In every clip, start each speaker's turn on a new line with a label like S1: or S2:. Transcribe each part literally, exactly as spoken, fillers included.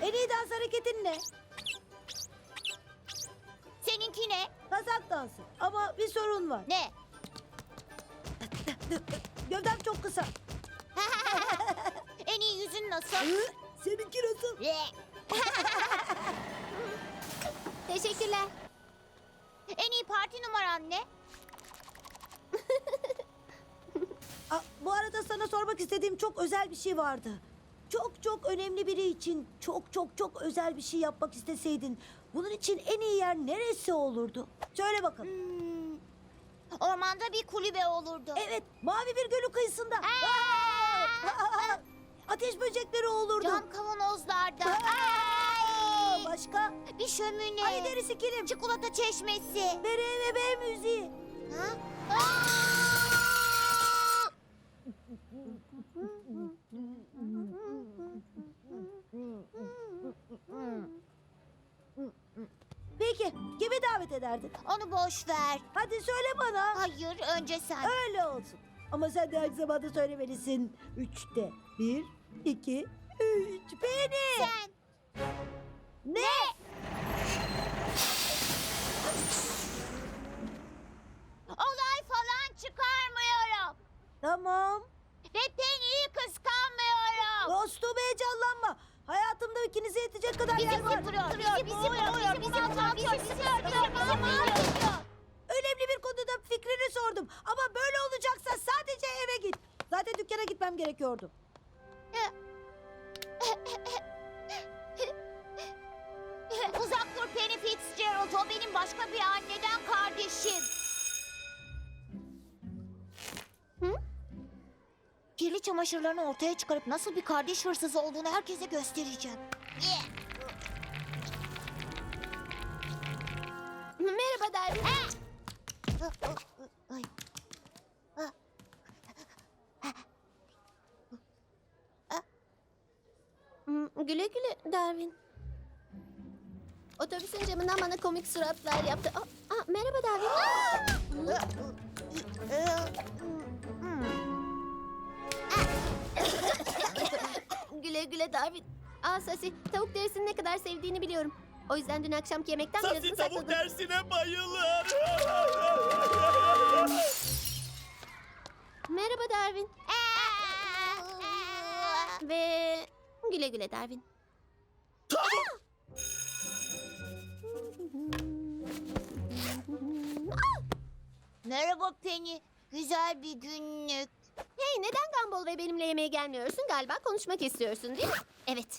S1: En iyi dans hareketin ne?
S2: Seninki ne?
S1: Kazak dansı. Ama bir sorun var.
S2: Ne?
S1: Gövdem çok kısa.
S2: En iyi yüzün nasıl?
S1: Hı? Seninki nasıl?
S3: Teşekkürler.
S2: En iyi parti numaran ne?
S1: Aa, bu arada sana sormak istediğim çok özel bir şey vardı. Çok çok önemli biri için çok çok çok özel bir şey yapmak isteseydin, bunun için en iyi yer neresi olurdu? Söyle bakalım.
S2: Hmm, ormanda bir kulübe olurdu.
S1: Evet, mavi bir gölün kıyısında. Aa! Ateş böcekleri olurdu.
S2: Cam kavanozlarda.
S1: Aa!
S2: Ay!
S1: Başka?
S2: Bir şömine.
S1: Ay derisi kilim.
S2: Çikolata çeşmesi.
S1: Bere ve be müziği.
S2: Ha? Aa!
S1: Peki, kimi davet ederdin?
S2: Onu boş ver.
S1: Hadi söyle bana.
S2: Hayır, önce sen.
S1: Öyle olsun. Ama sen de aynı zamanda söylemelisin. Üçte. Bir, iki, üç. Beni.
S2: Sen.
S1: Ne?
S2: Olay falan çıkarmıyorum.
S1: Tamam.
S2: Ve Penny'yi kıskanmıyorum.
S1: Dostum heyecanlanma. Hayatımda ikinize yetecek kadar
S2: Bizi
S1: yer var.
S2: sıfırıyor, bizi boğuyor, bizi bunaltıyor, bizi sıkıyor, bizi mahvediyor.
S1: Önemli bir konuda fikrini sordum. Ama böyle olacaksa sadece eve git. Zaten dükkana gitmem gerekiyordu.
S2: Uzak dur Penny Fitzgerald, o benim başka bir anneden kardeşim. Hı? Kirli çamaşırlarını ortaya çıkarıp nasıl bir kardeş hırsızı olduğunu herkese göstereceğim.
S3: Merhaba Darwin.
S2: Ay.
S3: Hmm, Güle güle Darwin. Otobüsün camından bana komik suratlar yaptı. Aa, aa, merhaba Darwin. Güle güle Darwin. Aa Sasi, tavuk derisini ne kadar sevdiğini biliyorum. O yüzden dün akşamki yemekten
S4: Sasi
S3: birazını
S4: tavuk
S3: sakladım.
S4: dersine bayılır.
S3: Merhaba Darwin. Ve güle güle Darwin.
S2: Merhaba Penny, güzel bir günlük.
S3: Hey, neden Gumball ve benimle yemeğe gelmiyorsun? Galiba konuşmak istiyorsun değil mi? Evet.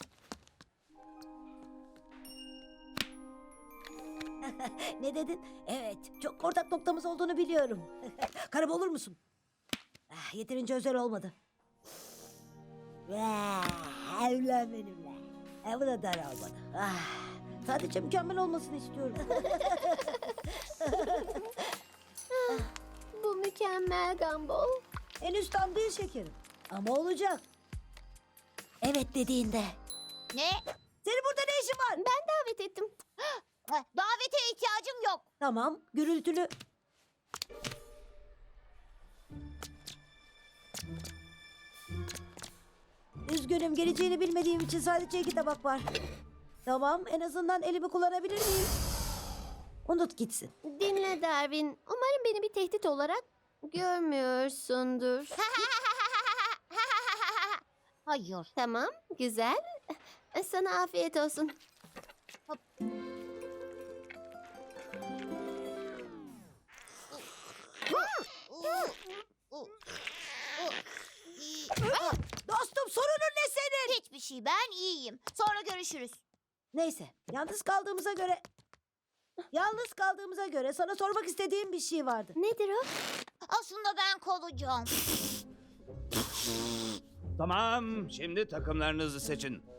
S1: Ne dedin? Evet, çok ortak noktamız olduğunu biliyorum. Karım olur musun? Ah, yeterince özel olmadı. Ah, evlen benimle. E, bu da dar olmadı. Ah, sadece mükemmel olmasını istiyorum.
S3: Bu mükemmel Gumball.
S1: Henüz tam değil şekerim. Ama olacak. Evet dediğinde.
S2: Ne?
S1: Senin burada ne işin var?
S3: Ben davet ettim.
S2: Davete ihtiyacım yok.
S1: Tamam, gürültülü. Üzgünüm, geleceğini bilmediğim için sadece iki tabak var. Tamam, en azından elimi kullanabilir miyim? Unut gitsin.
S3: Dinle Darwin. Umarım beni bir tehdit olarak görmüyorsundur.
S2: Hayır.
S3: Tamam, güzel. Sana afiyet olsun.
S1: Dostum, sorunun ne senin?
S2: Hiçbir şey, ben iyiyim. Sonra görüşürüz.
S1: Neyse, yalnız kaldığımıza göre... Yalnız kaldığımıza göre sana sormak istediğim bir şey vardı.
S3: Nedir o?
S2: Aslında ben kalacağım.
S4: Tamam, şimdi takımlarınızı seçin.